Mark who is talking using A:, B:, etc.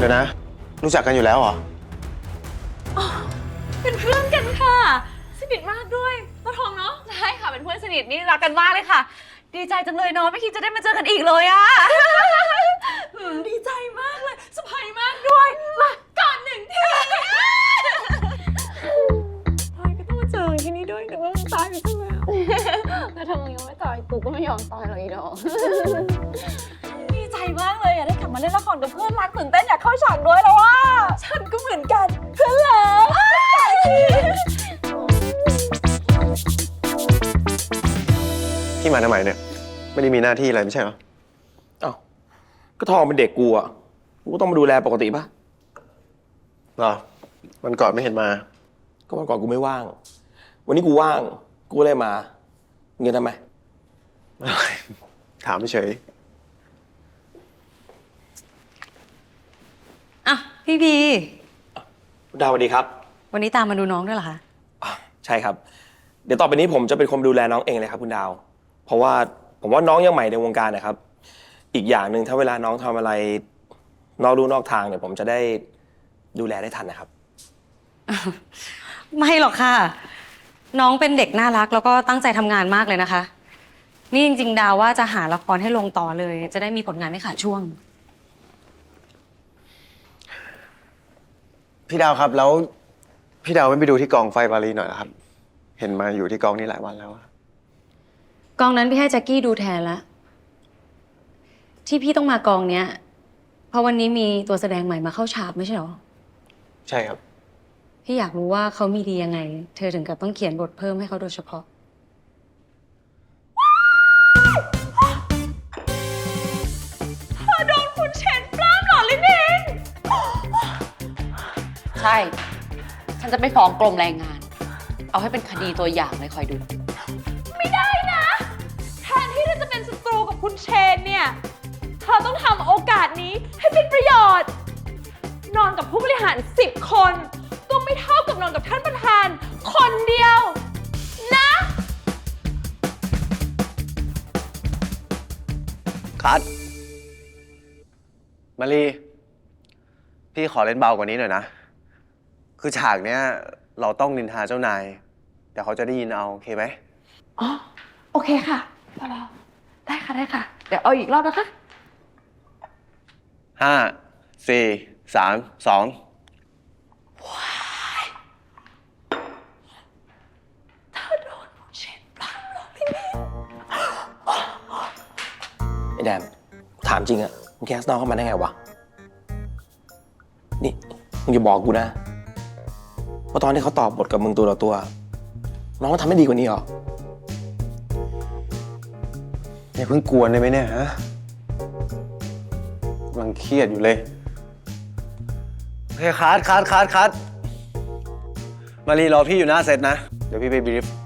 A: ดี๋ยวนะ รู้จักกันอยู่แล้วเหรอ
B: เป็นเพื่อนกันค่ะสนิทมากด้วยตาทองเนาะใช่ค่ะเป็นเพื่อนสนิทนี่รักกันมากเลยค่ะดีใจจังเลยเนาะไม่คิดจะได้มาเจอกันอีกเลยอะดีใจมากเลยสบายมากด้วยมาก่อนหนึ่งทีพลอยก็ต้องมาเจอที่นี่ด้วยแต่ว่ามันตายไปซะแล้ว
C: ถ้ามึงยังไม่ตายกูก็ไม่ยอมตายหรอกอีดอก
B: ดีใจมากเลยอะได้กลับมาเล่นละครกับเพื่อนรักตื่นเต้นอยากเข้าฉากด้วยแล้วว่าฉันก็เหมือนกันเพื่อนรัก
A: พี่มาทำไมเนี่ย ไม่ได้มีหน้าที่อะไรไม่ใช่เหรอ
D: อ้าวก็ทองเป็นเด็กกูอ่ะกูก็ต้องมาดูแลปกติป่ะ
A: เหรอวันก่อนไม่เห็นมา
D: ก็วันก่อนกูไม่ว่าง วันนี้กูว่างกูเลยมาเงินทำไม
A: ถามเฉย
E: อ่ะพี่พี
D: ดาวสวัสดีครับ
E: วันนี้ตามมาดูน้องด้วยเหรอคะ
D: อ่ะใช่ครับ เดี๋ยวต่อไปนี้ผมจะเป็นคนดูแลน้องเองเลยครับคุณดาว เพราะว่าผมว่าน้องยังใหม่ในวงการนะครับ อีกอย่างหนึ่งถ้าเวลาน้องทำอะไรนอกลู่นอกทางเนี่ยผมจะได้ดูแลได้ทันนะครับ
E: ไม่หรอกค่ะ น้องเป็นเด็กน่ารักแล้วก็ตั้งใจทำงานมากเลยนะคะ นี่จริงๆดาวว่าจะหาละครให้ลงต่อเลย จะได้มีผลงานไม่ขาดช่วง
A: ๆพี่ดาวครับแล้วพี่ดาวไม่ไปดูที่กองไฟปารีหน่อยนะครับ เห็นมาอยู่ที่กองนี้หลายวันแล้วอะ
E: กองนั้นพี่ให้แจ็คกี้ดูแทนละที่พี่ต้องมากองเนี้ยเพราะวันนี้มีตัวแสดงใหม่มาเข้าฉากไม่ใช่หรอ
A: ใช่ครับ
E: พี่อยากรู้ว่าเขามีดียังไง เธอถึงกับต้องเขียนบทเพิ่มให้เขาโดยเฉพาะ
B: เธอโดนคุณเชนปล้ำเหรอลินิน
C: ใช่ ฉันจะไปฟ้องกรมแรงงาน เอาให้เป็นคดีตัวอย่างเลยคอยดู
B: ไม่ได้นะแทนที่เธอจะเป็นศัตรูกับคุณเชนเนี่ยเธอต้องทำโอกาสนี้ให้เป็นประโยชน์ นอนกับผู้บริหาร10 คนก็ไม่เท่ากับนอนกับท่านประธานคนเดียวนะ
A: คัดมารีพี่ขอเล่นเบากว่านี้หน่อยนะ คือฉากเนี้ยเราต้องนินทาเจ้านาย เดี๋ยวเขาจะได้ยินเอาโอเคไหม
B: อ๋อ โอเคค่ะเบาๆได้ค่ะได้ค่ะ เดี๋ยวเอาอีกรอบนะคะ
A: 5 4 3 2
D: ไอ้แดนถามจริงอะมึงแคสน้องเข้ามาได้ไงวะ นี่มึงอย่าบอกกูนะว่าตอนที่เขาตอบบทกับมึงตัวต่อตัว น้องทำไม่ดีกว่านี้หรอ
A: อย่าเพิ่งกวนได้ไหมเนี่ยฮะกำลังเครียดอยู่เลยโอเคคัดมารีรอพี่อยู่หน้าเซตนะ เดี๋ยวพี่ไปบรีฟ